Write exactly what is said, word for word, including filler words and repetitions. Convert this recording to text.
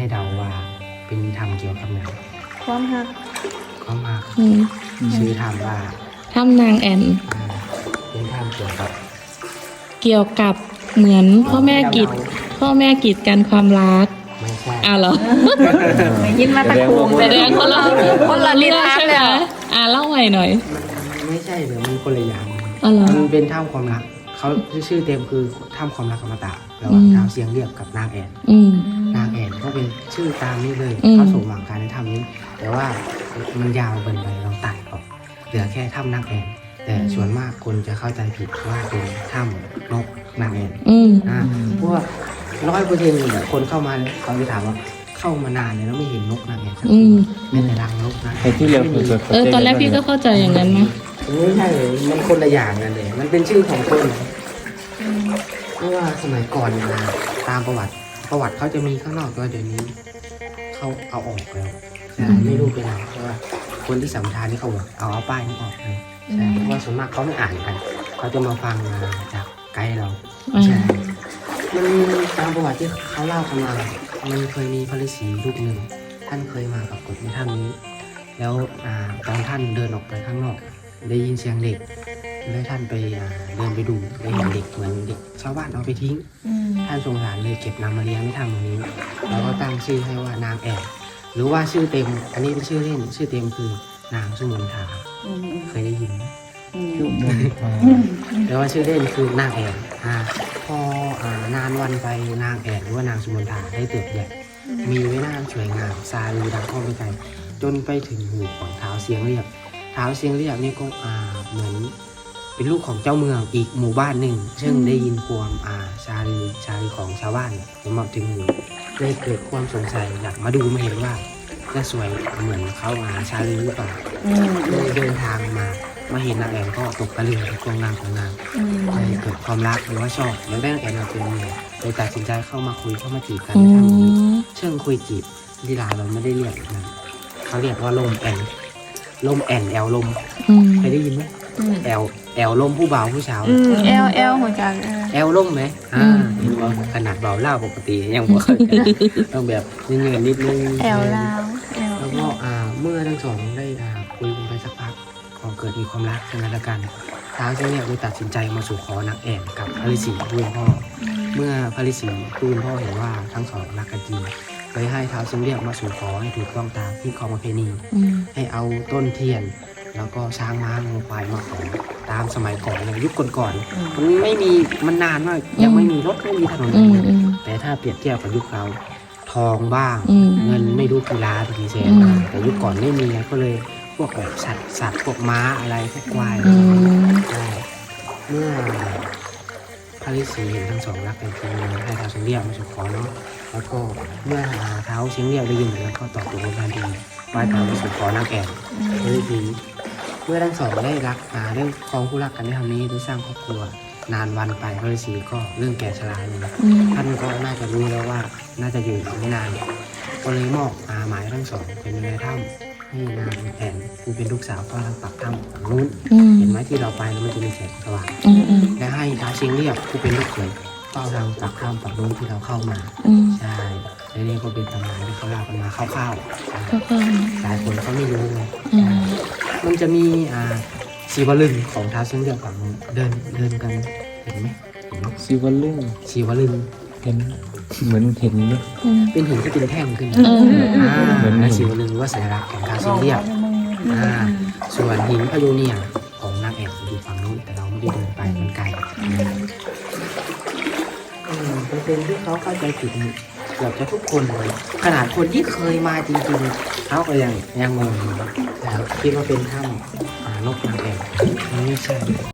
ให้เดาว่าเป็นธรรมเกี่ยวกับหนังความหักก็มาอืมชื่อธรรมว่าทำนางแอนอ่าเป็นธรรมเกี่ยวกับเกี่ยวกับเหมือนพ่อแม่กีดพ่อแม่กีดกันความรักไม่ใช่อ้าวเหรอไม่ยินมาตะโกงแสดงคนละคนละนิทานใช่ไหมเลยอ่าเล่าใหม่หน่อยมันไม่ใช่หรือมันคนละอย่างอ๋อเหรอมันเป็นถ้ำความรักเขาชื่อเต็มคือถ้ำความรักอมตะระหว่างอืมท้าวเสียงเรียบกับนางแอนอืมนางแอนก็เป็นชื่อตามนี้เลยอืมเขาสมหวังการในถ้ำนี้ แต่ว่ามันยาวเกินไปเราตัดออกเหลือแค่ถ้ำนางแอนแต่ส่วนมากคนจะเข้าใจผิดว่าเป็นถ้ำนกนางแอนอืมอ่าเพราะว่าร้อยเปอร์เซ็นต์เนี่ยคนเข้ามาเขาจะถามว่าเข้ามานานเลยแล้วไม่เห็นนกนางแอนสักอืทีมเป็นแต่รังนกนะไอ้ที่เราเคยเออตอนแรกพี่ก็เข้าใจอย่างนั้นนะไม่ใช่เลยมันคนละอย่างกันเลย มันเป็นชื่อของคนเพราะว่าสมัยก่อนนะตามประวัติประวัติเขาจะมีข้างนอกก็เดี๋ยวนี้เขาเอาออกแล้วใช่ไม่รู้เป็นไรเพราะว่าคนที่สัมภาษณ์นี่เขาบอกเอาเอาป้ายนี้ออกเลยใช่เพราะว่าส่วนมากเขาไม่อ่านกันเขาจะมาฟังจากไกด์เราใช่มันมีตามประวัติที่เขาเล่ากันมามันเคยมีพระฤาษีรูปหนึ่งท่านเคยมาปรากฏในถ้ำนี้ แล้วอ่าตอนท่านเดินออกไปข้างนอก ได้ยินเสียงเด็กแล้วท่านไปอ่าเดินไปดูได้เห็นเด็กเหมือนเด็กชาวบ้านเอาไปทิ้ง ท่านสงสารเลยเก็บนำมาเลี้ยงในถ้ำตรงนี้ แล้วก็ตั้งชื่อให้ว่านางแอบหรือว่าชื่อเต็ม อันนี้เป็นชื่อเล่นชื่อเต็มคือนางสุมนทาเคยได้ยินไหมแต่ว่าชื่อเล่นคือนางแอบอ่าพออ่านานวันไปนางแอบหรือว่านางสุมนทาได้เติบใหญ่มีไว้หน้าสวยงามซาลือดังก้องไปไกลจนไปถึงหูของเท้าเสียงเรียบเท้าเสียงเรียบนี่ก็อ่าเหมือนเป็นลูกของเจ้าเมืองอีกหมู่บ้านหนึ่ง ซึ่งได้ยินความอาชาลีชาลีของชาวบ้านเนี่ยมาถึงหูได้เกิดความสงสัยอยากมาดูมาเห็นว่าจะสวยเหมือนเขาอาชาลีหรือเปล่าเลยเดินทางมามาเห็นนางแอนก็ตกตะลึงในความงามของนางเลยเกิดความรักหรือว่าชอบแล้วได้นางแอนมาเป็นเมียเลยตัดสินใจเข้ามาคุยเข้ามาจีบกันอืในทางนี้มเชิงคุยจีบที่ลาวเราไม่ได้เรียกแบบนั้นเขาเรียกว่าลมแอนลมแอนแอลลมอืมเคยได้ยินไหมแอลแอลลมผู้บ่าวผู้สาวอืมเอลเอลเหมือนกันเออแอลล่มไหมอ่าเห็นว่าขนาดเบาเล่าปกติยังบอกต้องแบบเงินนิดนึงแอลลาวแอลแล้วก็อ่าเมื่อทั้งสองได้อ่าคุยกันไปสักพักก็เกิดมีความรักซึ่งกันและกันท้าวเจ้าเนี่ยได้ตัดสินใจมาสู่ขอนางแอ่นกับพระฤาษีผู้เป็นพ่อ เมื่อพระฤาษีผู้เป็นพ่อเห็นว่าทั้งสองรักกันจริงเลยให้ท้าวเชียงเรียกมาสู่ขอให้ถูกต้องตามที่ของประเพณีอืมให้เอาต้นเทียน แล้วก็ช้างม้างูควายมาขอตามสมัยก่อนในยุคก่อนๆมันไม่มีมันนานมากยังไม่มีรถไม่มีถนนอืมอืมแต่ถ้าเปรียบเทียบกับยุคเราทองบ้างอืมเงินไม่รู้กี่ล้านกี่แสนอืมแต่ยุคก่อนไม่มีก็เลยพวกแบบสัตว์สัตว์พวกม้าอะไรพวกควายอืมใช่เมื่อพระฤาษีเห็นทั้งสองรักกันจริงเลยให้ท้าวเชียงเรียกมาสู่ขอเนาะแล้วก็เมื่อเท้าวเชียงเรียกได้ยินแบบนั้นก็ตอบตกลงกันดีไหว้ตามมาสู่ขอนางแอ่นพระฤาษีเมื่อทั้งสองได้รักอ่าได้ครองคู่รักกันได้ทำนี้ได้สร้างครอบครัวนานวันไปพระฤาษีก็เรื่องแก่ชราเลยอืมท่านก็น่าจะรู้แล้วว่าน่าจะอยู่อีกไม่นาน ก็เลยมอบอาหมายทั้งสองเป็นในถ้ำให้นางแอนผู้เป็นลูกสาวก็ทางปากถ้ำฝั่งนู้นอืมเห็นไหมที่เราไปแล้วมันจะมีแสงสว่างอืมอืมและให้ท้าวเชียงเรียบผู้เป็นลูกเขยเฝ้าทางปากถ้ำฝั่งนู้นที่เราเข้ามาอืมใช่และนี่ก็เป็นตำนานที่เขาเล่ากันมาคร่าวๆก็ก็หลายคนเขาไม่รู้ไงอืมมันจะมีอ่าชีวลึงของท้าวเชียงเรียบฝั่งนู้นเดินเดินกันเห็นไหมเห็นไหมซิวลึงชีวลึงเห็นเหมือนเห็นเลยอืมเป็นหินที่เป็นแท่งขึ้นเอออ่าและชีวลึงว่าสัญลักษณ์ของท้าวเชียงเรียบอ่าส่วนหินพะโยเนียของนางแอ่นอยู่ฝั่งนู้นแต่เราไม่ได้เดินไปมันไกลอืมเปอร์เซ็นต์ที่เขาเข้าใจผิดนี่เกือบจะทุกคนเลยขนาดคนที่เคยมาจริงๆเขาก็ยังยังงงอยู่นะครับคิดว่าเป็นถ้ำอ่านกนางแอ่นมันไม่ใช่